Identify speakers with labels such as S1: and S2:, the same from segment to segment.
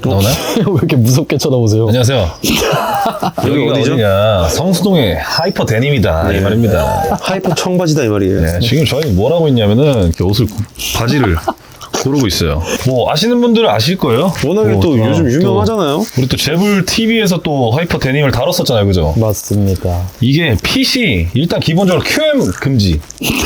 S1: 나오나요?
S2: 왜 이렇게 무섭게 쳐다보세요?
S1: 안녕하세요. 여기가 어디냐? 성수동의 하이퍼 데님이다 이 말입니다.
S3: 하이퍼 청바지다 이 말이에요.
S1: 네, 지금 저희 뭘 하고 있냐면은 이렇게 바지를 고르고 있어요. 뭐 아시는 분들은 아실 거예요.
S3: 워낙에
S1: 뭐,
S3: 또 요즘 유명하잖아요.
S1: 우리 또 재불 TV에서 또 하이퍼 데님을 다뤘었잖아요, 그죠?
S2: 맞습니다.
S1: 이게 핏이 일단 기본적으로 QM 금지.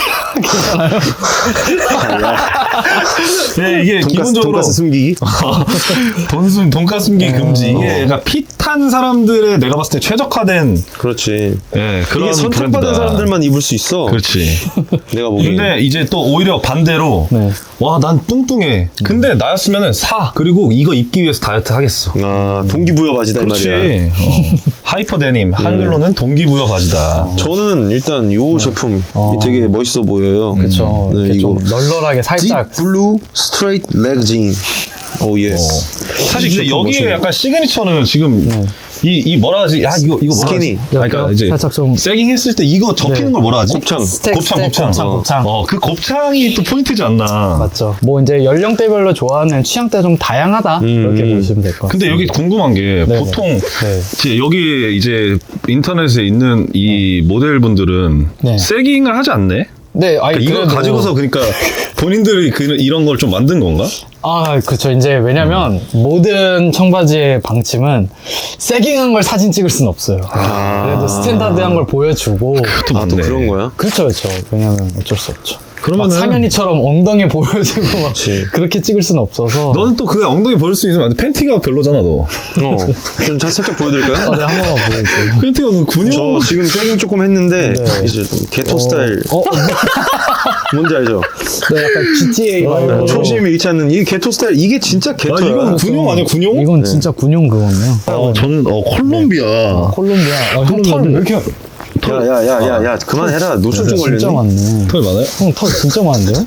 S1: 네, 이게 기본적으로
S3: 돈가스 숨기기.
S1: 돈가스 숨기 금지. 이게 약간 핏한 사람들의 내가 봤을 때 최적화된
S3: 그렇지.
S1: 예, 그런
S3: 이게 선택받은
S1: 브랜드다.
S3: 사람들만 입을 수 있어.
S1: 그렇지.
S3: 내가 보기엔.
S1: 근데 이제 또 오히려 반대로
S2: 네.
S1: 와, 난 뚱뚱해. 근데 나였으면은 사. 그리고 이거 입기 위해서 다이어트 하겠어.
S3: 아, 동기부여 바지다 이
S1: 그렇지.
S3: 말이야.
S1: 하이퍼 데님 한글로는 동기부여 바지다.
S3: 저는 일단 요 제품 되게 멋있어 보여요.
S2: 그렇죠.
S3: 네,
S2: 이렇게
S3: 이거
S2: 좀 널널하게 살짝.
S3: 딥 블루 스트레이트 레그 진. 오 예스.
S1: 사실 근데
S3: 제품
S1: 여기에
S3: 멋있네.
S1: 약간 시그니처는 지금 이 뭐라 하지? 야, 이거 뭐라
S3: 스키니.
S1: 하지? 그러니까 이제
S2: 살짝 좀
S1: 세깅 했을 때 이거 접히는
S2: 네.
S1: 걸 뭐라 하지?
S3: 곱창.
S1: 곱창. 그 곱창이 또 포인트지 않나.
S2: 맞죠. 뭐 이제 연령대별로 좋아하는 취향대 좀 다양하다 이렇게 보시면 될 것 같아요.
S1: 근데 여기 궁금한 게
S2: 네네.
S1: 보통
S2: 네.
S1: 이제 여기 이제 인터넷에 있는 이 모델분들은
S2: 네.
S1: 세깅을 하지 않네?
S2: 네, 아니
S1: 그러니까 이거
S2: 그래도-
S1: 가지고서 그러니까 본인들이 이런 걸 좀 만든 건가?
S2: 아, 그렇죠. 이제 왜냐면 모든 청바지의 방침은 세깅한 걸 사진 찍을 수는 없어요. 그래도 스탠다드한 걸 보여주고.
S1: 또
S3: 아, 또
S1: 맞네.
S3: 그런 거야?
S2: 그렇죠, 그렇죠. 왜냐면 어쩔 수 없죠.
S1: 그러면은-
S2: 막 상현이처럼 엉덩이 보여주고 막
S3: 그치.
S2: 그렇게 찍을 수는 없어서.
S1: 너는 또 그 엉덩이 보일 수 있으면 안 돼. 팬티가 별로잖아, 너.
S3: 좀 살짝 보여드릴까요?
S2: 네, 한 번만 보여주세요.
S1: 팬티가 너 근육.
S3: 저 지금 세깅 조금 했는데
S2: 네.
S3: 이제 좀 게토 스타일 뭔지 알죠?
S2: 네, 약간 GTA 말고.
S3: 초심이 잃지 않는 이 게토 스타일 이게 진짜 게토야.
S1: 이건 군용 아니야, 군용?
S2: 이건 진짜 군용 그거네요.
S1: 저는 콜롬비아.
S2: 콜롬비아. 형 털 왜 이렇게
S3: 야야야야야 그만해라 노출 좀 걸렸네.
S2: 진짜 많네.
S1: 털 많아요?
S2: 형 털 진짜 많은데요?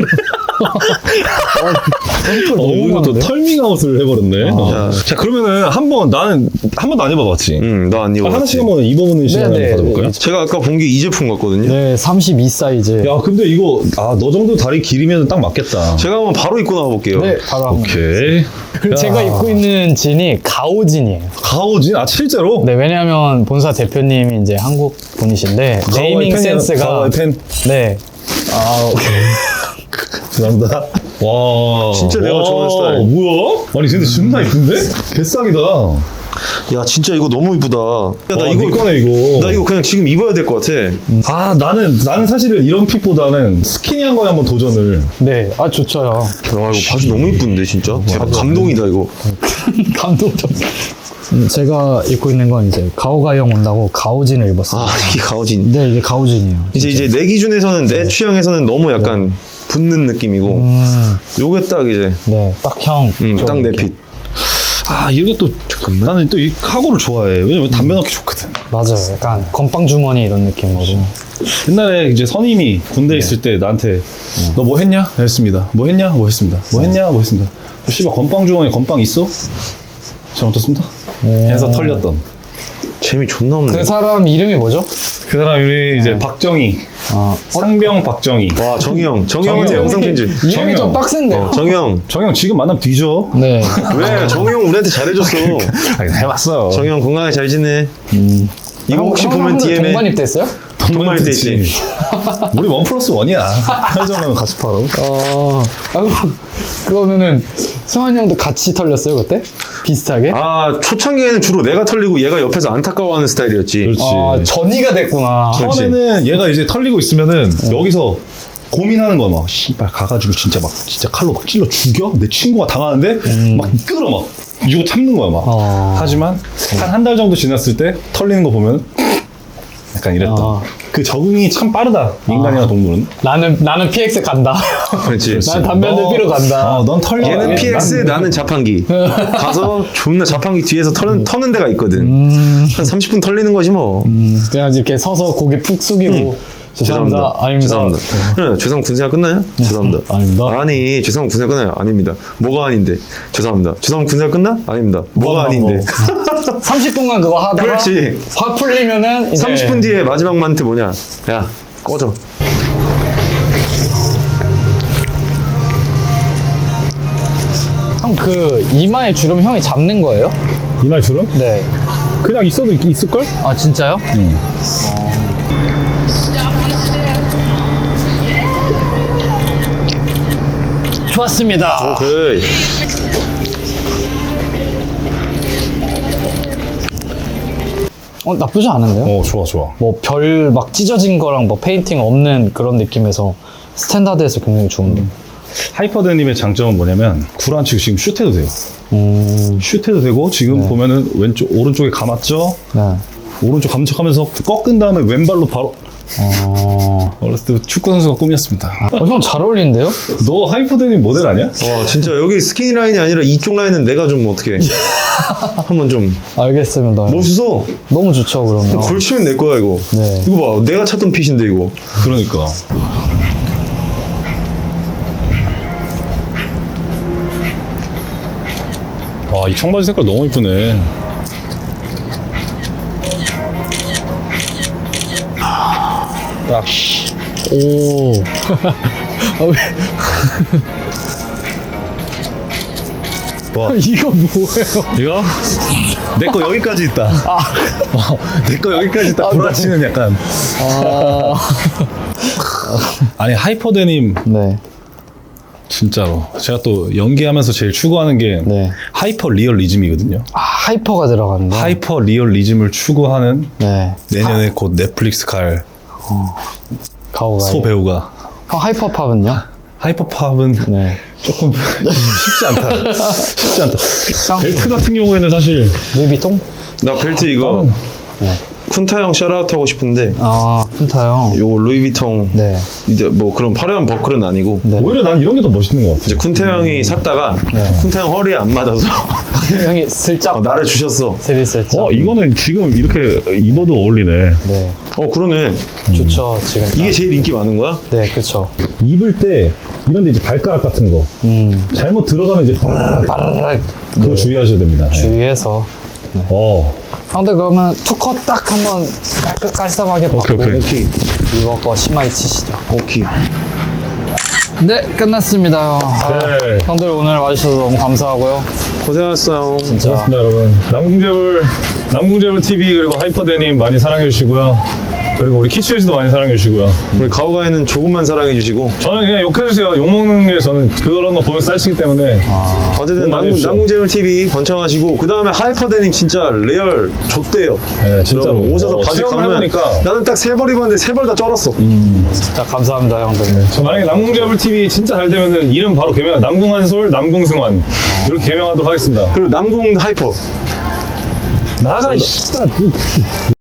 S2: 너무
S1: 이거 또
S2: 많은데요?
S1: 털밍아웃을 해버렸네. 자, 그러면은 나는 한 번도 안 입어봤지.
S3: 너 안 입어.
S1: 하나씩 한번 입어보는 시간 한번
S2: 네.
S1: 가져볼까요?
S3: 제가 아까 본 게 이 제품 같거든요.
S2: 네, 32 사이즈.
S1: 야, 근데 이거 너 정도 다리 길이면 딱 맞겠다.
S3: 제가 한번 바로 입고 나와 볼게요.
S2: 네, 바로 한번.
S1: 오케이.
S2: 그리고 제가 입고 있는 진이 가오진이에요.
S1: 가오진? 아, 실제로?
S2: 네, 왜냐하면 본사 대표님이 이제 한국 분이신데 네이밍 센스가
S1: 가오의 팬.
S2: 네. 아, 오케이.
S1: 죄송합니다. 와.
S3: 진짜 내가 좋아하는 스타일.
S1: 뭐야? 아니, 근데 존나 이쁜데? 개싸기다.
S3: 야 진짜 이거 너무 이쁘다. 야, 나
S1: 네 거네, 이거.
S3: 나 이거 그냥 지금 입어야 될 것 같아.
S1: 아, 나는 사실은 이런 핏보다는 스키니한 거에 한번 도전을.
S2: 네, 아 좋죠요.
S3: 야 이거 바지 너무 이쁜데 진짜. 대박 감동이다 이거.
S2: 감동적. 제가 입고 있는 건 이제 가오가형 온다고 가오진을 입었어요.
S3: 아 이게 가오진.
S2: 네, 이게 가오진이에요.
S3: 이제 내 기준에서는 내 취향에서는 너무 약간 붙는 느낌이고 요게 딱 이제
S2: 네, 딱 형.
S3: 딱 내 핏.
S1: 아, 이게 또, 나는 또 이 카고를 좋아해. 왜냐면 담배 넣기 좋거든.
S2: 맞아요. 약간 건빵 주머니 이런 느낌으로.
S1: 옛날에 이제 선임이 군대에 있을 때 나한테 너 뭐 했냐? 했습니다. 뭐 했냐? 뭐 했습니다. 뭐 했냐? 뭐 했습니다. 씨발, 건빵 주머니에 건빵 있어? 잘못했습니다. 해서 털렸던.
S3: 재미 존나 없네.
S2: 그 사람 이름이 뭐죠?
S1: 그 사람이 이제 박정희.
S2: 아,
S1: 상병 박정희.
S3: 와 정희형한테 영상 편집.
S2: 이름이
S1: 정형.
S2: 좀 빡센데요?
S3: 정희형
S1: 정형 지금 만나면 뒤져.
S2: 네.
S3: 왜 정희형 우리한테 잘해줬어.
S1: 아니, 해봤어.
S3: 정희형 건강하게 잘 지내. 이거 혹시 보면 DM에
S2: 동반 입대했어요?
S3: 동반이 돼 있지.
S1: 우리 1+1이야. 편의점은 같이 팔아.
S2: 아이고, 그러면은 승환이 형도 같이 털렸어요 그때? 비슷하게?
S3: 아 초창기에는 주로 내가 털리고 얘가 옆에서 안타까워하는 스타일이었지.
S1: 그렇지.
S2: 전이가 됐구나.
S1: 처음에는 얘가 이제 털리고 있으면은 여기서 고민하는 거야. 막 씨발 가가지고 진짜 칼로 막 찔러 죽여? 내 친구가 당하는데 막 끌어 막 이거 참는 거야 막. 하지만 한 달 정도 지났을 때 털리는 거 보면 약간 이랬다. 그 적응이 참 빠르다. 인간이나 동물은.
S2: 나는 PX 간다.
S3: 그렇지.
S2: 난 담배 한 대 피러 간다.
S1: 넌 털려.
S3: 얘는 PX 나는 자판기. 가서 존나 자판기 뒤에서 터는 데가 있거든. 한 30분 털리는 거지 뭐.
S2: 그냥 이렇게 서서 고개 푹 숙이고 죄송합니다. 아닙니다.
S3: 죄송합니다. 네, 죄송 군생활 끝나요? 죄송합니다.
S2: 아닙니다.
S3: 아니, 죄송 군생활 끝나요? 아닙니다. 뭐가 아닌데? 죄송합니다. 죄송 군생활 끝나? 아닙니다. 뭐가 아닌데?
S2: 30분간 그거 하다가
S3: 그렇지.
S2: 확 풀리면은 이제
S3: 30분 뒤에 마지막 멘트 뭐냐? 야, 꺼져.
S2: 형 그 이마에 주름 형이 잡는 거예요?
S1: 이날 주름?
S2: 네.
S1: 그냥 있어도 있을걸?
S2: 아 진짜요?
S1: 응.
S2: 좋았습니다.
S3: 오케이.
S2: 나쁘지 않은데요?
S1: 좋아.
S2: 뭐 별 막 찢어진 거랑 뭐 페인팅 없는 그런 느낌에서 스탠다드에서 굉장히 좋은데.
S1: 하이퍼데님의 장점은 뭐냐면 구란치고 지금 슛해도 돼요. 슛해도 되고 지금 보면은 오른쪽에 감았죠?
S2: 네.
S1: 오른쪽 감척하면서 꺾은 다음에 왼발로 바로 어렸을 때 축구 선수가 꿈이었습니다.
S2: 형 잘 어울리는데요?
S1: 너 하이퍼데님 모델 아니야?
S3: 와 진짜 여기 스키니 라인이 아니라 이쪽 라인은 내가 좀 어떻게 한번 좀
S2: 알겠습니다.
S3: 멋있어.
S2: 너무 좋죠 그러면.
S3: 걸치면 내 거야 이거.
S2: 네.
S3: 이거 봐 내가 찾던 핏인데 이거.
S1: 그러니까. 와, 이 청바지 색깔 너무 이쁘네. 딱.
S2: 오.
S1: 와,
S2: 이거 뭐예요?
S1: 이거? 내 거 여기까지 있다. 내 거 여기까지 있다. 구라치는 약간. 아니, 하이퍼데님,
S2: 네.
S1: 진짜로. 제가 또 연기하면서 제일 추구하는 게
S2: 네.
S1: 하이퍼 리얼리즘이거든요.
S2: 하이퍼가 들어갔는데.
S1: 하이퍼 리얼리즘을 추구하는
S2: 네.
S1: 내년에 곧 넷플릭스 갈
S2: 가오가.
S1: 소 배우가.
S2: 형 하이퍼팝은요?
S1: 하이퍼팝은
S2: 네.
S1: 조금 쉽지 않다. 쉽지 않다.
S2: 형
S1: 벨트 같은 경우에는 사실
S2: 루이비통?
S3: 나 벨트 이거
S2: 네.
S3: 쿤타 형 샤라웃 하고 싶은데
S2: 쿤타 형.
S3: 요거 루이비통
S2: 네.
S3: 이제 뭐 그런 화려한 버클은 아니고
S2: 네.
S1: 오히려 난 이런 게 더 멋있는 것 같아.
S3: 이제 쿤타 형이 샀다가 쿤타 형 허리에 안 맞아서
S2: 형이 슬쩍
S3: 나를 주셨어.
S2: 슬쩍.
S1: 이거는 지금 이렇게 입어도 어울리네.
S2: 네.
S3: 그러네.
S2: 좋죠 지금.
S3: 이게 제일 인기 많은 거야?
S2: 네, 그렇죠.
S1: 입을 때 이런데 이제 발가락 같은 거 잘못 들어가면 이제
S2: 빠르르
S1: 그거 주의하셔야 됩니다. 네.
S2: 주의해서. 형들 그러면 투컷 딱 한번 깔끔하게 받고
S3: 오케이.
S2: 이거 거 심하게 치시죠.
S3: 오케이.
S2: 네, 끝났습니다.
S1: 네.
S2: 형들 오늘 와주셔서 너무 감사하고요.
S3: 고생하셨어요.
S2: 진짜.
S1: 고맙습니다, 여러분. 남궁재물 TV 그리고 하이퍼데님 많이 사랑해 주시고요. 그리고 우리 키츠에서도 많이 사랑해 주시고요.
S3: 우리 가오가이는 조금만 사랑해 주시고
S1: 저는 그냥 욕해주세요. 욕먹는 게 저는 그런 거 보면 쌀치기 때문에.
S3: 어쨌든
S1: 많이 해주세요.
S3: 남궁재물 TV 번창하시고 그 다음에 하이퍼데님 진짜 레알 좆대요.
S1: 네, 진짜로.
S3: 여러분, 오셔서 바지
S1: 체험을
S3: 가면
S1: 해보니까.
S3: 나는 딱 3벌 입었는데 3벌 다 쩔었어.
S2: 진짜 감사합니다, 형들.
S1: 저 만약에 남궁재물 TV 진짜 잘 되면은 이름 바로 개명, 남궁한솔, 남궁승환. 이렇게 개명하도록 하겠습니다.
S3: 그리고 남궁 하이퍼.
S1: 나가, 이 씨발.